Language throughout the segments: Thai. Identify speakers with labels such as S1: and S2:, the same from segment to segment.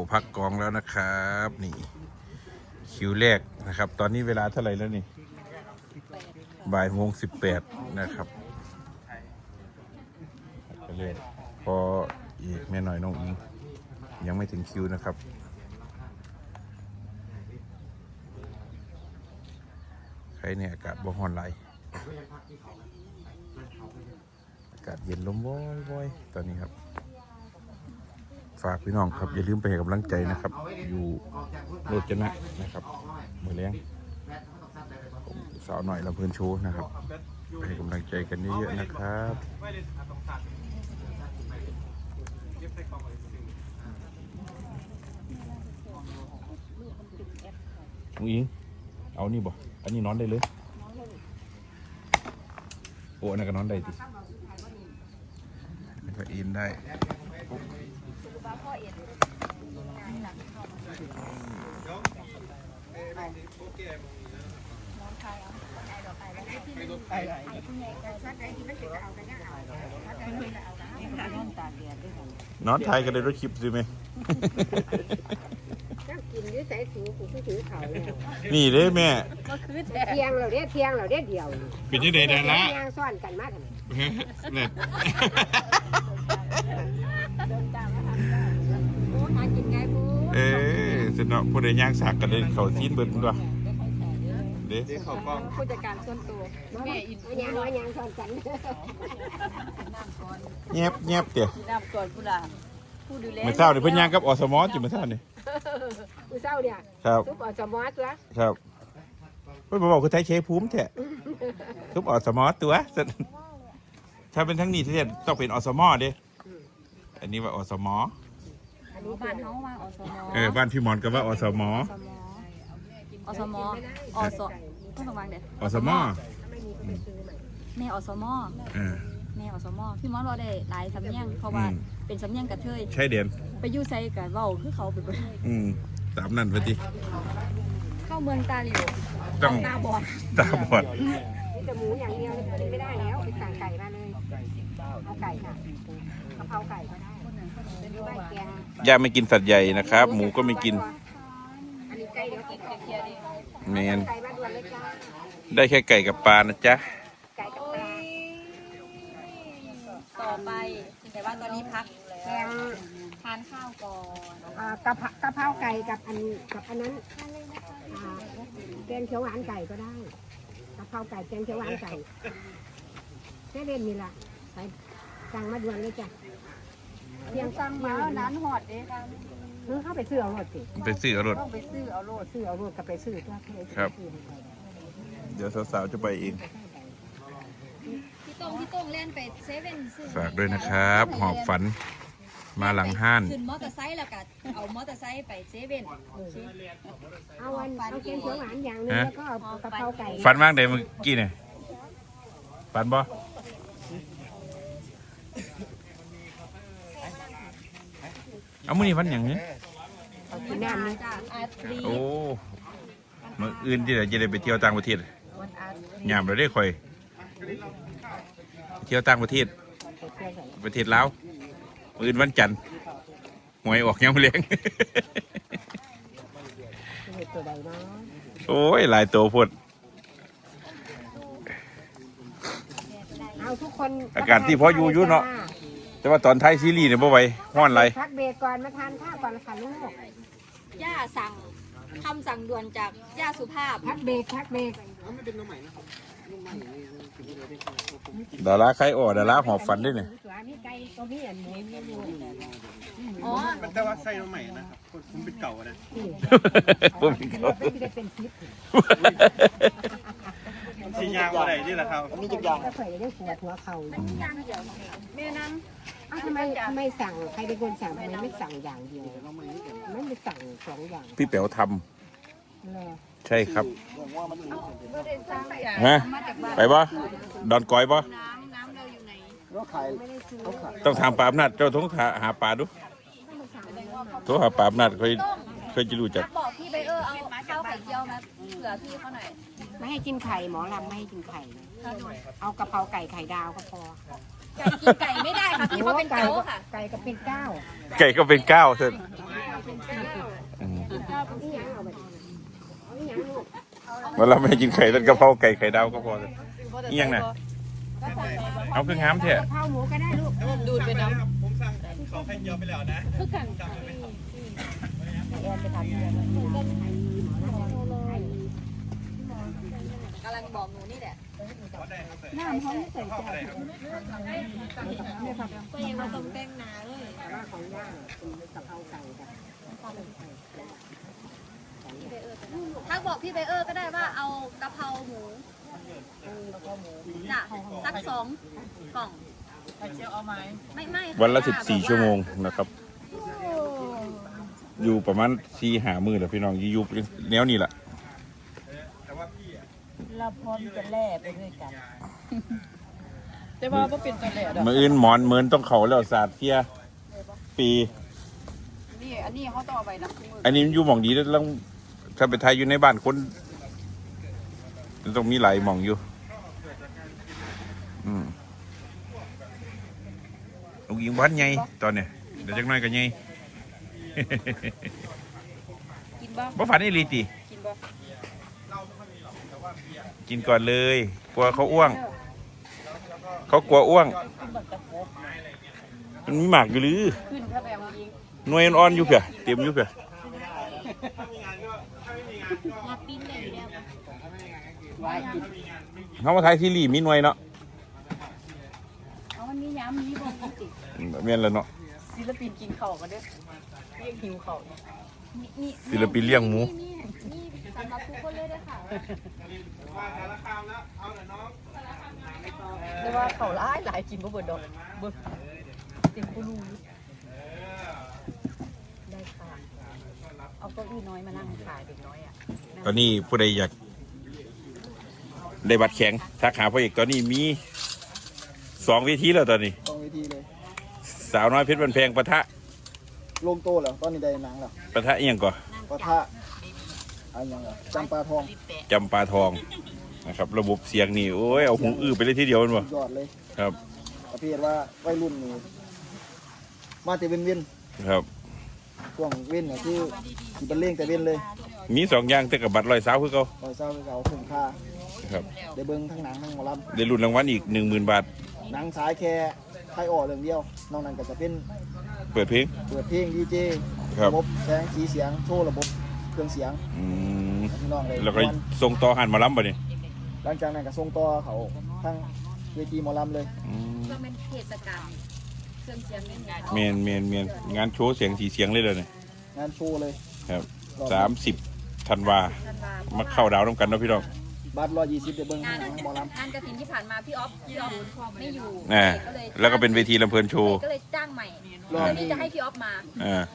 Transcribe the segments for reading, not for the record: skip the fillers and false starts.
S1: พักกองแล้วนะครับนี่คิวแรกนะครับตอนนี้เวลาเท่าไหร่แล้วนี่บ่ายโมง18นะครับไปเลยพออีกแม่หน่อยน้องอิงยังไม่ถึงคิวนะครับใครเนี่ยอากาศบ่ฮ้อนไหลอากาศเย็นลมว้อยๆตอนนี้ครับฝากพี่น้องครับอย่าลืมไปให้กำลังใจนะครับอยู่โรจนะนะครับมือเลี้ยงผมสาวหน่อยลำเพลินโชว์นะครับไปให้กำลังใจกันเยอะๆนะครับมุ้งอิงเอานี่บ่อันนี้นอนได้เลยโอ้อันนั้นก็นอนได้ดิก็อินได้นอนไทยกันเลยรถคลิปสิไหม
S2: กินด้วยสายสูงผู้ถือเขา
S1: นี่เด้แม่
S2: เทียงเราเรียกเทียงเราเรียกเดียว
S1: เป็นยังไงได้ละ
S2: เทียงซ่อนกันมาก
S1: เนี่ย
S2: หากินไงปู
S1: สนอผู้ใดย่างสากกันเลยเขาทิ้นเบิดมั้งวะเด้
S2: เขากล้องผู้จัดการส่วนตัวแม่อินยังซ่อนกัน
S1: เงียบเตี๋ย
S2: น้ำก่อนผู้ล่ะผู้ดูแล
S1: เมื่อเช้าเนี่ยเพิ่นย่างกับอสมจิเมื่อเช้านี่
S2: ผู้เช้าเนี่ย
S1: ครับ
S2: ทุบอสมอตัว
S1: ครับเพิ่นบอกคือไทยเชภูมิแท้ทุบอสมตัวถ้าเป็นทั้งนี้ที่ต้องเป็นอสมเด้อันนี้ว่าอสม
S2: บ้านเฮาว่าอสม
S1: บ้านพี่มอนก็ว่าอสม
S2: อสมอสเพิ่นวางเด้
S1: อสม
S2: แม่อสมแม่อสมพี่มอนบ่ได้หลายสำเนียงเพราะว่าเป็นสำเนียงกระเทย
S1: ใช่เด่น
S2: ไปอยู่ไสก็เว้าคือเขาไปเบิด
S1: ตามนั้นไปติ
S2: เข้าเมืองตาหลิว
S1: ต้อง
S2: ตาบอดแต่หมูอย่างเดียวไม่ได้แล้วไปสั่งไก่มาเลยเอาไก่ค่ะกะเพราไก่ก็ได้
S1: ย่าไม่กินสัตว์ใหญ่นะครับหมูก็ไม่กิน
S2: อันนี้ไก่เดี๋ยวกินเคียร์ดิ
S1: แมน
S2: ไก่มาด่วนเลยจ้า
S1: ได้แค่ไก่กับปลานะจ๊ะ
S2: ไก่กับปลาต่อไปแต่ว่าตอนนี้พักแล้วทานข้าวก่อนกะเพราไก่กับอันนั้นแกงเขียวหวานไก่ก็ได้กะเพราไก่แกงเขียวหวานไก่แค่เด่นนี่แหละไปสั่งมาด่วนเลยจ้ะเพียงสั่งมานั้นหอดเด้ค่ะเข้าไปซื้อเอารถสิ
S1: ไปซื้อเอารถ
S2: ต้องไปซื้อเอารถกับไปซื้อตัว
S1: ครับเดี๋ยวสาวๆจะไปเอง
S2: พี่ต้งเล่นไปเซเว่นซื้อ
S1: ฝากด้วยนะครับหอบฝันมาหลังห้าน
S2: ขึ้นมอเตอร์ไซค์แล้วก็เอามอเตอร์ไซค์ไปเซเว่นเอาแกงเขียวหวานอย่างนึงแล้วก็เอากะเพราไก่
S1: ฝันมากเดี๋ยวเมื่อกี้เนี่ยฝันบ่เอามื้อนี้วันอย่างนี้
S2: น้ำนี่
S1: โอ้มื้ออื่นที่จะได้ไปเที่ยวต่างประเทศยามเราได้ค่อยเที่ยวต่างประเทศลาวมื้ออื่นวันจันทร์หวยออกยังเลี้ยงโอ้ยหลายตัวพุ่นอากาศที่พออยู่เนาะแต่ว่าตอนท้ายซีรีส์เนี่ยบ่ไหวฮ้อนไร
S2: พักเบรกก่อนมาทานข้าวก่อนค่ะลูกย่าสั่งคำสั่งด่วนจากย่าสุภาพพักเบรก
S1: ดาราใครดาราหอบฝันด้วยเนี่ย
S2: อ๋อ
S3: มันแต่ว่าใส่มาใหม่นะครับผมเป็นเก่านะ
S1: ผมเป็นเก่า
S3: สียางอะไรนี่แหละครับ
S2: มีจุดยางก็เคยได้หัวเข่าแม่น้ำทำไมสั่งใครเป็นคนสั่งทำไมไม่สั่งอย่างเดียวไม่ไปสั่ง2อย่าง
S1: พี่เป๋วทำใช่ครับฮะไปบ่ดอนก้อยบ่ต้องถามปราบนัดเจ้าต้องหาปลาดูโทรหาปราบนัดเคยจะรู้จัก
S2: บอกพี่ไปเอาข้าวไข่เจียวมาเผื่อพี่เขาหน่อยไม่ให้กินไข่หมอลำไม่ให้กินไข่เอากะเพราไก่ไข่ดาวก็พอกินไก่ไม่ได้ค่ะพี่เขาเป็นเก้าค่ะไก่ก็เป็นเก้า
S1: เถอะอืม
S2: นี่ยังเอาไปเอานี่ยังลูก
S1: วันเราไม่กินไข่ต้นกะเพราไก่ไข่ดาวก็พอเลยนี่ยังน่ะเอาคืองามเถอะ
S2: กะเพราหมูก็ได้ลูก
S3: ดูดไปน้ำผมสั่งของไข่เจียวไปแล้วนะ
S4: กำลังบอกหนูนี่แหละ
S2: น้ำเขาไม่ใส่ใจ
S4: ก็ยังมาต้มแป้งนาเลย
S2: ว่าของย่างเป็นกะเพราไก่กับ
S4: ทักบอกพี่ไบเออร์ก็ได้ว่าเอากะเพราหมูจ้ะสัก2 กล่องไม่ค่ะ
S1: วันละ14 ชั่วโมงนะครับ อยู่ประมาณ4-5 มื้อแหละพี่น้องอยู่แนวนี้แหละ
S5: เราพร้อมจะแล่ไปด้วยกัน แต่ว่าก็เป็นตัวแล่ดอก
S1: มื้ออื่นหมอนเหมือนต้องเขาแล้วศาสตร์เที่ยปี
S5: นี่อันนี้เขาต้องเอาไปนะมือ
S1: อันนี้มันอยู่หม่องดีแล้วต้องถ้าไปไทยอยู่ในบ้านคนมันต้องมีหลายหม่องอยู่ลูกยิงบ้านไงตอนเนี้ยเดี๋ยวจักหน่อยก็ไง
S5: กินบ้าง
S1: บ่ฝันอีหลีติ
S5: กินบ้าง
S1: กินก่อนเลยกลัวเขาอ้วง เขากลัวอ้วง
S5: กินบักตะโกบ
S1: มันมีหมากอยู่หรือ
S5: ขึ้นถ้าแบบยิง
S1: หน่วยอ่อนๆอยู่เผื่อเตรียมอยู่เผื่อ
S4: มาปิ้นเลยอยู่แล้ว
S5: ไว้กิน
S1: เขามาถ่ายซีรีส์มีหน่วยเนาะ
S5: เอามันมีย้ำมีบ่มีติด
S1: แม่นแล้วเนาะ
S5: ศิลปินกินข้าวกันเด้อเรียกหิวข้าวเนี่ย
S4: นี่
S1: ศิลปินเลี้ยงหมู
S4: นี่สำหรับทุกคนเลยด้วยค่ะ
S5: แต่ว่าข้าวหลายกินบ่เบิดดอกเบิดเต็มกูรูได้ค่ะเอาเก้าอี้น้อยมานั่งขายเด็กน้อยอ่ะ
S1: ตอนนี้ผู้ใดอยากได้บัตรแข็งทักหาพ่อเอกตอนนี้มี2 เวทีแล้วตอนนี้
S6: ต้องวิธีเลย
S1: สาวน้อยเพชรบันแพงปะทะ
S6: ลงโตแล้วตอนนี้ได้หนังแล้ว
S1: ปะทะเอียงก่อน
S6: ปะทะอะไรอย่างเงี้ยจำปาทอง
S1: จำปาทองนะครับ ระบบเสียงนี่โอ้ยเอาหูอื้อไปเลยทีเดียวมันบ่
S6: ยอดเลย
S1: ครับ
S6: ประเภทว่าวัยรุ่นนี่มาแต่เว้นเว้น
S1: ครับ
S6: ช่วงเว้นเนี่ยคือสิเป็นเล่งแต่เว้นเลย
S1: มี2 อย่างแต่กับบัตร120คือเขา
S6: ปล่อยเศร้าเขาคุ้มค่า
S1: ครับ
S6: ได้เบิ้งทั้งหนังทั้งหมอล
S1: ได้รุ่นรางวัลอีก 10,000 บาท
S6: ำหนังสายแค่ไทยออกเรื่องเดียวนอกนั้นก็จะเป็น
S1: เปิดเพลง
S6: เปิดเพลงดีเจ
S1: ครับ
S6: ระบบแสงสีเสียงโชว์ระบบเครื่องเสียง
S1: อืม
S6: พี่น้องเลย
S1: แล้วก็ส่งต่อหันหมาล้ำบ่นี่
S6: หลังจากนั้นก็ส่งต่อเขาทั้งเวทีหมอลำเลย
S1: อืม
S4: ก็เป็นเทศกาลเครื่องเสียงนี่ไง
S1: เมนงานโชว์เสียงสีเสียงเลยเลยเนี่ย
S6: งานโชว์เลย
S1: ครับ
S6: รอบ
S1: 30 ธันวามาเข้าดาวน้ำกันเนาะพี่น้อง
S6: บัตร120ได้เบิ้งทั้
S4: งาง น
S6: หนังหมอลำ
S4: งานกระถินที่ผ่านมาพี่ออฟไม่อยู่
S1: แล้วก็เป็นเวทีลำเพลินโชว์
S4: ก็เลยจ้างใหม่
S6: รอบ
S4: เพื่อที่
S6: นี้
S4: จะให้พี่ออฟมา
S1: อ่าร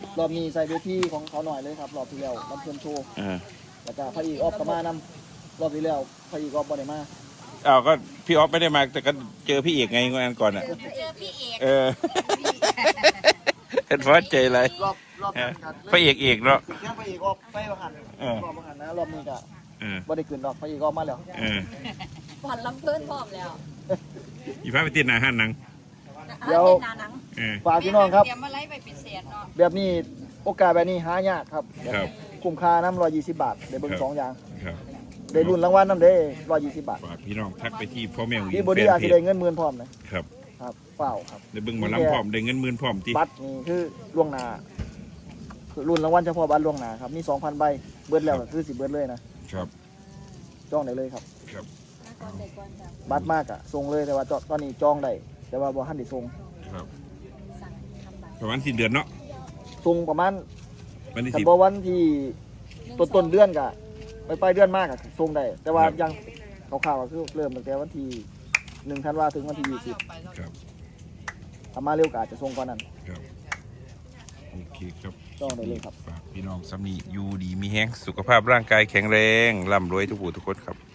S6: อบนี้ใส่เวทีของเขาหน่อยเลยครับรอบที่แล้วลำเพลินโชว์
S1: อ่า
S6: แล้วก็พระเอกออฟก็มานำรอบที่แล้วพระเอกออฟบ่ได้มา
S1: อ้าวก็พี่ออฟไม่ได้มาแต่ก็เจอพี่เอกไงงานก่อนอ่ะ
S4: เจอพี่เอก
S1: เออ เห็นฟ้าใจเลย
S6: รอบนั้นครับ
S1: พระเอกเนาะ
S6: แค่พระเอกออฟไปประหัน
S1: เออ
S6: รอบประหันนะรอบนี้ก็
S1: เออ
S6: บ่ได้ขึ้นดอกพระเอกออฟมาแล้ว
S1: เออ
S4: ผ่อนลำเพิ่นพร้อมแล้ว
S1: อีฟ้าไปติดหนาหันหนัง
S4: เป็นนาหนัง
S1: เออ
S6: ฝากพี่น้องครับ
S5: เตรียมมาไล่ไปเป็นแสนเนาะ
S6: แบบนี้โอกาสแบบนี้หายากครับ
S1: ครับ
S6: คุ้มค่าน้ำ120 บาทได้เบิ่ง
S1: ครับ
S6: สองอย่าง
S1: ครับ
S6: ได้รุ่นรางวัลน้ำเด้120 บาท
S1: ฝากพี่น้องทักไปที่พ่อแม่ของ
S6: พี่
S1: ง
S6: บอดี้อาจจะได้เงินหมื่นพร้อมนะครับ ครับเปล่าครับ
S1: ได้เบิ่งหมาล้ำพร้อมได้เงิน10,000พร้อมที่
S6: บัตรนี่คือล่วงหน้าคือรุ่นรางวัลเฉพาะบัตรล่วงหน้าครับมี 2,000 ใบเบิดแล้วก็คือสิเบิดเลยนะครับ จองได้เลยครับ
S1: ครับ
S6: บัตรมากอะส่งเลยแต่ว่าตอนนี้จองได้แต่ว่าบ่ทันได้ส่ง
S1: ครับประมาณสิ้นเดือนเนาะ
S6: ส่งประมาณ
S1: วันที่
S6: คัน
S1: 10
S6: บ่วันที่ต้นเดือนก็ไปเดือนมากอะส่งได้แต่ว่า
S1: ครับ
S6: ยังข่าวๆก็คือเริ่มตั้งแต่วันที่1ธันวาถึงวันที่
S1: ครับ
S6: 20ถ้ามาเร็วก็อาจจะส่งก่อนนั้น
S1: ครับโอเคครับ
S6: จองได้เลยครับ
S1: ฝากพี่น้องสำนีอยู่ดีมีแห้งสุขภาพร่างกายแข็งแรงร่ำรวยทุกผู้ทุกคนครับ